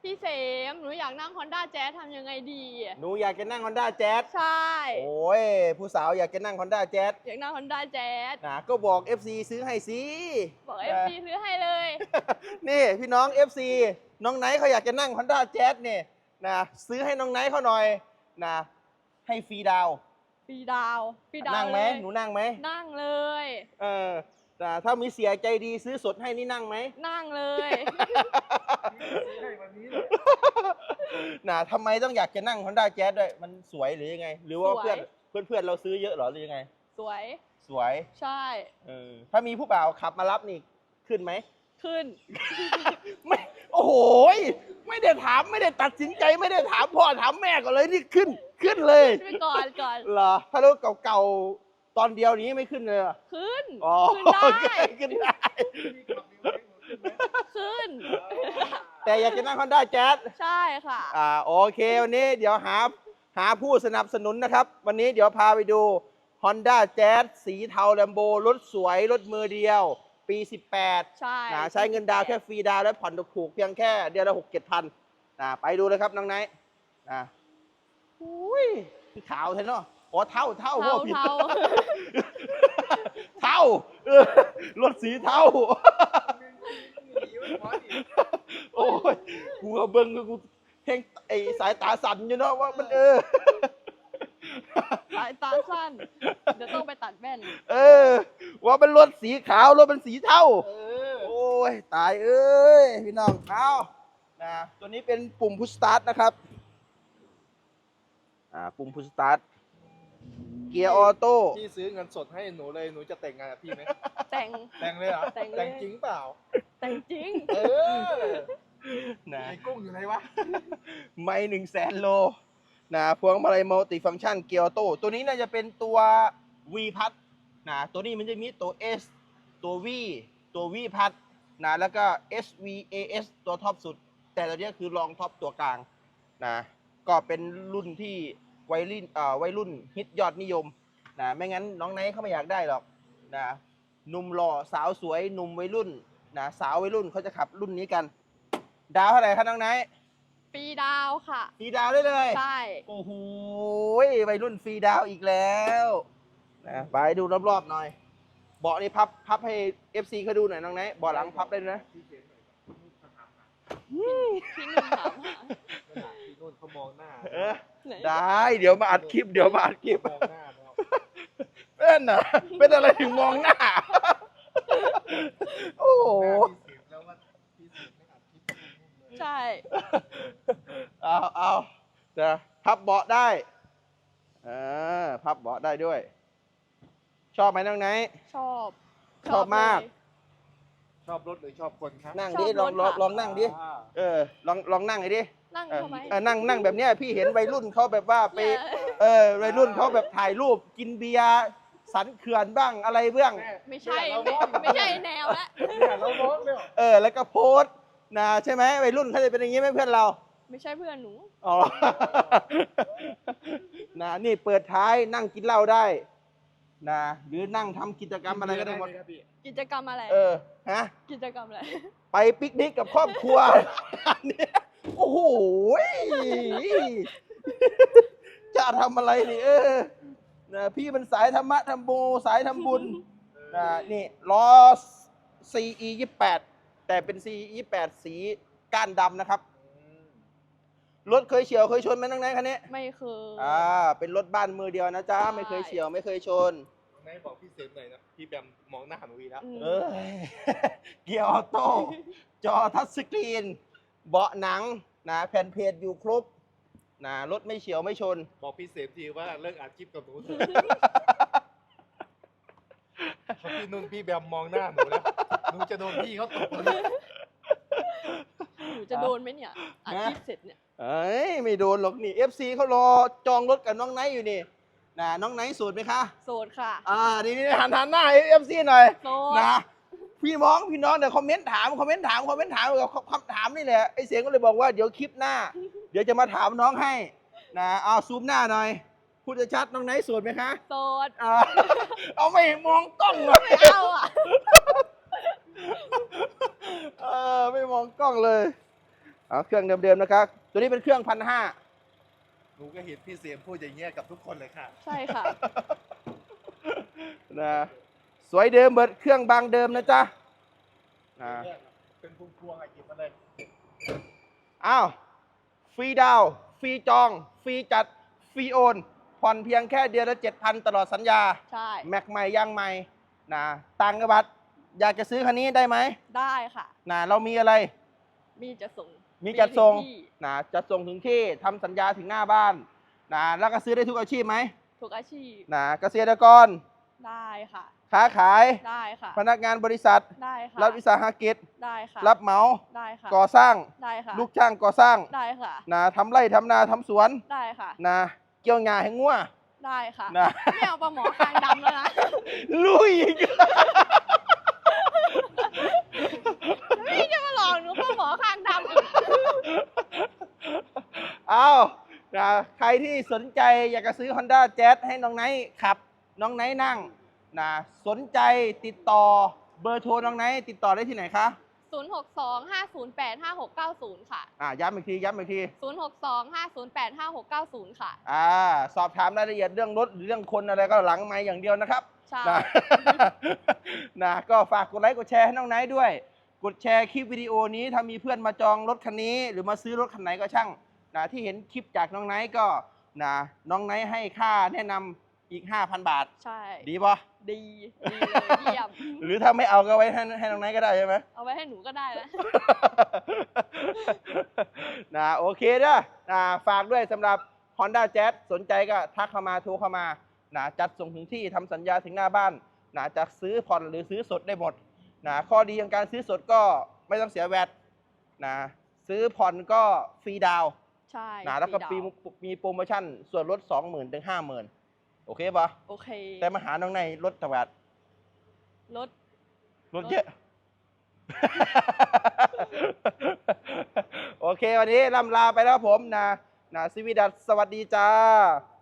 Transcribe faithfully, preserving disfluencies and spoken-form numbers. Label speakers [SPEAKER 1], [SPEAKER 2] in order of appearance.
[SPEAKER 1] พี่เสมหนูอยากนั่ง Honda Jazz ทำยังไงดี
[SPEAKER 2] หนูอยากจะนั่ง Honda Jazz
[SPEAKER 1] ใช่
[SPEAKER 2] โอ้ยผู้สาวอยากจะนั่ง Honda Jazz
[SPEAKER 1] อยากนั่ง Honda Jazz
[SPEAKER 2] นะก็บอก เอฟ ซี ซื้อให้สิ
[SPEAKER 1] บอก เอฟ ซี ซื้อให้เลย
[SPEAKER 2] นี่พี่น้อง เอฟ ซี น้องไนท์เขาอยากจะนั่ง Honda Jazz เนี่ยนะซื้อให้น้องไนท์เขาหน่อยนะให้ฟรีดาว
[SPEAKER 1] ฟรีดาวฟรีดาว
[SPEAKER 2] นั่งไหม
[SPEAKER 1] เลย
[SPEAKER 2] หนูนั่งไหม
[SPEAKER 1] นั่งเลย
[SPEAKER 2] เออนะถ้ามีเสียใจดีซื้อสดให้นี่นั่งไหม
[SPEAKER 1] นั่งเลย
[SPEAKER 2] นะทำไมต้องอยากจะนั่ง Honda Jazz ด้วยมันสวยหรือยังไง หรือว่า
[SPEAKER 1] สวย
[SPEAKER 2] เพื่อนเพื่อนเพื่อนเราซื้อเยอะเหรอหรือยังไง
[SPEAKER 1] สวย
[SPEAKER 2] สวย
[SPEAKER 1] ใช่
[SPEAKER 2] เออถ้ามีผู้บ่าวขับมารับนี่ขึ้นไหม
[SPEAKER 1] ขึ้น
[SPEAKER 2] ไม่โอ้โหยไม่ได้ถามไม่ได้ตัดสินใจไม่ได้ถามพ่อถามแม่ก่อนเลยนี่ขึ้นขึ้นเลย
[SPEAKER 1] ไปก่อนก่อน
[SPEAKER 2] เหรอถ้ารถเก่าๆตอนเดียวนี้ไม่ขึ้นเลยเหรอ
[SPEAKER 1] ขึ้น
[SPEAKER 2] อ๋อ
[SPEAKER 1] ขึ้นได้
[SPEAKER 2] ขึ้นได้
[SPEAKER 1] ขึ้น
[SPEAKER 2] แต่อยากจะนั่ง Honda Jazz
[SPEAKER 1] ใช่ค่ะ
[SPEAKER 2] อ่าโอเควันนี้เดี๋ยวหาหาผู้สนับสนุนนะครับ วันนี้เดี๋ยวพาไปดู Honda Jazz สีเทาแลมโบรถสวยรถมือเดียว ปี สิบแปด
[SPEAKER 1] ใช่
[SPEAKER 2] นะใช้เงินดาวน์แค่ฟรีดาวน์และผ่อนถูกๆเพียงแค่เดือนละหกเจ็ดพันนะไปดูเลยครับน้องไนท์นะอุ้ยขาวใช่เนาะอ๋อเท่าเท่า
[SPEAKER 1] เทา
[SPEAKER 2] พ่อผิด
[SPEAKER 1] เทา
[SPEAKER 2] เท่าเออรถสีเท่า โอ้ยกูเอาเบิ้งกูเพ่งไอสายตาสั่นอยู่เนาะว่ามันเออ
[SPEAKER 1] สายตาสั้น เดี๋ยวต้องไปตัดแว่น
[SPEAKER 2] เออ ว่าเป็นรถสีขาวรถเป็นสีเทาโอ้ยตายเอ้ยพี่น้องเอานะตัวนี้เป็นปุ่มพุชสตาร์ทนะครับอ่าปุ่มพุชสตาร์ทเกียร์ออโต้
[SPEAKER 3] พี่ซื้อเงินสดให้หนูเลยหนูจะแต่งงานกับพี่ไหม
[SPEAKER 1] แต่ง
[SPEAKER 3] แต่งเลยเหรอ
[SPEAKER 1] แต่งเลย
[SPEAKER 3] แต่งจริงเปล่า
[SPEAKER 1] แต่งจริง
[SPEAKER 3] เออ
[SPEAKER 2] นะ
[SPEAKER 3] ไอ้กุ้งอยู่ไหนวะ
[SPEAKER 2] ไม่หนึ่งแสนโลนะพวงมาลัยมัลติฟังก์ชันเกียร์ออโต้ตัวนี้น่าจะเป็นตัว V พัดนะตัวนี้มันจะมีตัว S ตัว V ตัว V พัดนะแล้วก็ เอส วี เอ เอส ตัวท็อปสุด แต่ตัวนี้คือรองท็อปตัวกลางนะก็เป็นรุ่นที่วัยรุ่นเอ่อวัยรุ่นฮิตยอดนิยมนะไม่งั้นน้องไนท์เขาไม่อยากได้หรอกนะหนุ่มหล่อสาวสวยหนุ่มวัยรุ่นนะสาววัยรุ่นเขาจะขับรุ่นนี้กัน ดาวเท่าไหร่ครับน้องไนท์
[SPEAKER 1] ฟรีดาวค่ะ
[SPEAKER 2] ฟรีดาวได้เลย
[SPEAKER 1] ใช่
[SPEAKER 2] โอ้โหวัยรุ่นฟรีดาวอีกแล้วนะไปดูรอบๆหน่อยเบาะนี่พับพับให้ เอฟ ซี เขาดูหน่อยน้องไนท์เบาะหลังพับได้ด้วยนะ
[SPEAKER 1] พี่หนุ่มถามหา
[SPEAKER 3] พี่นุ่นเขามองหน้า
[SPEAKER 2] เออ
[SPEAKER 1] ไหน
[SPEAKER 2] ได้เดี๋ยวมาอัดคลิปเดี๋ยวมาอัดคลิป
[SPEAKER 3] มองหน้าแล้ว
[SPEAKER 2] เป็นน่ะเป็นอะไรถึงมองหน้า โอ้โห
[SPEAKER 3] หน้าพี่เสียแล้วว่าพี่เสียไม่อัดคลิปให้นุ่นเลย
[SPEAKER 1] ใช่
[SPEAKER 2] เอาเอาจะพับเบาะได้เออพับเบาะได้ด้วย ชอบไหมน้องไนท์
[SPEAKER 1] ชอบ
[SPEAKER 2] ชอบมาก
[SPEAKER 1] เลย
[SPEAKER 3] ชอบรถหรือชอบคนครับ
[SPEAKER 2] นั่ง
[SPEAKER 1] ชอบ
[SPEAKER 2] ดิลอง
[SPEAKER 1] รถ
[SPEAKER 2] ลอง
[SPEAKER 1] ค่ะ
[SPEAKER 2] ลองนั่งดิ
[SPEAKER 3] อ่า
[SPEAKER 2] เออลองลองนั่งไอ้ดิ
[SPEAKER 1] นั่ง
[SPEAKER 2] เออ
[SPEAKER 1] ทำไม
[SPEAKER 2] เออนั่งนั่งแบบเนี้ยพี่เห็นวัยรุ่นเขาแบบว่าไป
[SPEAKER 1] เนี่ย
[SPEAKER 2] เออวัยรุ่นเขาแบบถ่ายรูปกินเบียร์สันเขื่อนบ้างอะไรบ้าง
[SPEAKER 3] แม่
[SPEAKER 1] ไม่ใช่
[SPEAKER 3] เนี่ยเรา
[SPEAKER 1] ไม่
[SPEAKER 3] มอง
[SPEAKER 1] ไม่ใช่แนวละ
[SPEAKER 3] เนี่ยเรามองเนี่ย
[SPEAKER 2] เออแล้วก็โพสต์นะใช่ไหมวัยรุ่นเขาจะเป็นอย่างนี้ไหมเพื่อนเรา
[SPEAKER 1] ไม่ใช่เพื่อนหนู
[SPEAKER 2] อ๋อ นะนี่เปิดท้ายนั่งกินเหล้าได้นะหรือนั่งทำกิจกรรมอะไรก็ได้หมด
[SPEAKER 3] ครับพี่
[SPEAKER 1] กิจกรรมอะไร
[SPEAKER 2] เออฮะ
[SPEAKER 1] กิจกรรมอะไร
[SPEAKER 2] ไปปิกนิกกับครอบครัว เนี่ยโอ้โหจะทำอะไรนี่เออนะพี่มันสายธรรมะธรรมโมสายทำบุญนะนี่ล้อ ซี อี ยี่สิบแปด แต่เป็น ซี อี ยี่สิบแปด สีก้านดำนะครับ รถเคยเฉียวเคยชนไหมน้องไนท์คันนี้
[SPEAKER 1] ไม่เคย
[SPEAKER 2] อ่าเป็นรถบ้านมือเดียวนะจ๊ะ
[SPEAKER 1] ใช่
[SPEAKER 2] ไม่เคยเฉียวไม่เคยชน
[SPEAKER 3] ไหนบอกพี่เสมหน่อยนะพี่แบมมองหน้าหนูอีกแล้ว
[SPEAKER 1] อืม
[SPEAKER 2] เอ้ย เกียร์ออโต้จอทัชสกรีน เบาะหนังนะแผ่นเพจอยู่ครบนะรถไม่เฉียวไม่ชน
[SPEAKER 3] บอกพี่เสมทีว่าเลิกอัดคลิปกับหนูเถอะเพราะพี่นุ่นพี่แบมมองหน้าหนูแล้วหนูจะโดนพี่เขาตบเลย
[SPEAKER 1] หนูจะโดนไหมเนี่ยอาชีพเสร็จเนี่ย
[SPEAKER 2] เอ้ย ไม่โดนหรอกนี่ เอฟ ซี เขารอจองรถกับน้องไนท์อยู่นี่นะน้องไนท์สูตรไหมคะ
[SPEAKER 1] โสดค่ะ
[SPEAKER 2] อ่านี่นี่หันหันหน้า เอฟ ซี หน่อย
[SPEAKER 1] โสด
[SPEAKER 2] นะพี่น้องพี่น้องเดี๋ยวคอมเมนต์ถามคอมเมนต์ถามคอมเมนต์ถามกับคำถามนี่แหละไอเสียงก็เลยบอกว่าเดี๋ยวคลิปหน้า เดี๋ยวจะมาถามน้องให้นะเอาซูมหน้าหน่อยพูดชัดๆน้องไนท์สวยไหมคะ
[SPEAKER 1] โสด
[SPEAKER 2] อ่าเอาไม่มองกล้องเลย
[SPEAKER 1] ไม่เอาอ่ะ
[SPEAKER 2] เออไม่มองกล้องเลยเอาเครื่องเดิมๆนะครับ ตัวนี้เป็นเครื่องพันห้า
[SPEAKER 3] หนูก็เห็นพี่เสียมพูดอย่างเงี้ยกับทุกคนเลยค่ะ
[SPEAKER 1] ใช่ค่ะ
[SPEAKER 2] นะสวยเดิมเบิดเครื่องบางเดิมนะจ๊ะนะ
[SPEAKER 3] เป็นพวงๆอะหยิบมาเลย
[SPEAKER 2] อ้าวฟรีดาวน์ฟรีจอง ฟรีจัด ฟรีโอน ผ่อนเพียงแค่เดือนละเจ็ดพันตลอดสัญญา
[SPEAKER 1] ใช่
[SPEAKER 2] แม็กใหม่ย่างใหม่นะต่างจังหวัดอยากจะซื้อคันนี้ได้ไหม
[SPEAKER 1] ได้ค่ะ
[SPEAKER 2] นะเรามีอะไร
[SPEAKER 1] มีจะส่ง
[SPEAKER 2] มีจัดส่ง
[SPEAKER 1] ถึที่
[SPEAKER 2] นะจัดส่งถึงที่ทำสัญญาถึงหน้าบ้านนะแล้วก็ซื้อได้ทุกอาชีพไหม
[SPEAKER 1] ทุกอาชีพ
[SPEAKER 2] นะเกษตรกร
[SPEAKER 1] ได้ค่ะ
[SPEAKER 2] ค้าขาย
[SPEAKER 1] ได้ค่ะ
[SPEAKER 2] พนักงานบริษัท
[SPEAKER 1] ได้ค่ะ
[SPEAKER 2] รัฐวิสาหกิจ
[SPEAKER 1] ได้ค่ะ
[SPEAKER 2] รับเหมา
[SPEAKER 1] ได้ค่ะ
[SPEAKER 2] ก่อสร้าง
[SPEAKER 1] ได้ค่ะ
[SPEAKER 2] ลูกจ้างก่อสร้าง
[SPEAKER 1] ได้ค่ะ
[SPEAKER 2] นะทำไร่ทำนาทำสวน
[SPEAKER 1] ได้ค่ะ
[SPEAKER 2] นะเกี่ยวงาให้งัว
[SPEAKER 1] ได้ค่ะ
[SPEAKER 2] นะ
[SPEAKER 1] ไม่เอาปลาหมอคางดำแล้วนะ
[SPEAKER 2] ลุยอีก
[SPEAKER 1] พี่จะมาหลอกหนูปลาหมอคางดำอีก
[SPEAKER 2] เอานะใครที่สนใจอยากจะซื้อ Honda Jazz ให้น้องไนท์ขับ น้องไนท์นั่งนะสนใจติดต่อเบอร์โทรน้องไนท์ติดต่อได้ที่ไหนคะ
[SPEAKER 1] ศูนย์ หก สอง ห้า ศูนย์ แปด ห้า หก เก้า ศูนย์ ค่ะ
[SPEAKER 2] อ่าย้ำอีกทีย้ำอีกที
[SPEAKER 1] ศูนย์ หก สอง ห้า ศูนย์ แปด ห้า หก เก้า ศูนย์ ค่ะ
[SPEAKER 2] อ่าสอบถามรายละเอียดเรื่องรถหรือเรื่องคนอะไรก็หลังไมค์อย่างเดียวนะครับ
[SPEAKER 1] ใช่
[SPEAKER 2] นะ นะก็ฝากกดไลค์กดแชร์ให้น้องไนท์ด้วย กดแชร์คลิปวิดีโอนี้ถ้ามีเพื่อนมาจองรถคันนี้ หรือมาซื้อรถคันไหนก็ช่างนะที่เห็นคลิปจากน้องไนท์ก็นะน้องไนท์ให้ค่าแนะนำอีก ห้าพัน บาท
[SPEAKER 1] ใช่
[SPEAKER 2] ดีปะ
[SPEAKER 1] ดี ดีเลยเยี่ยม
[SPEAKER 2] หรือถ้าไม่เอาก็ไว้ให้ให้น้องไนท์ก็ได้ใช่ไหม
[SPEAKER 1] เอาไว้ให้หนูก็ได้นะ
[SPEAKER 2] นะโอเคเด้อนะฝากด้วยสำหรับ Honda Jazz สนใจก็ทักเข้ามาโทรเข้ามานะจัดส่งถึงที่ทำสัญญาถึงหน้าบ้านนะจะซื้อผ่อนหรือซื้อสดได้หมดนะข้อดีของการซื้อสดก็ไม่ต้องเสียแวตนะซื้อผ่อนก็ฟรีดาวน์
[SPEAKER 1] ใช่
[SPEAKER 2] นะแล้วก็
[SPEAKER 1] ฟรี
[SPEAKER 2] มี
[SPEAKER 1] ดาวน์
[SPEAKER 2] มีโปรโมชั่นส่วนลด สองหมื่น ถึง ห้าหมื่น โอเคปะ
[SPEAKER 1] โอเค
[SPEAKER 2] แต่มาหาน้องในลดตะแวด
[SPEAKER 1] รถ
[SPEAKER 2] ลดเยอะ โอเค วันนี้ลำลาไปแล้วครับผมนะนะซิวิดัสสวัสดีจ้า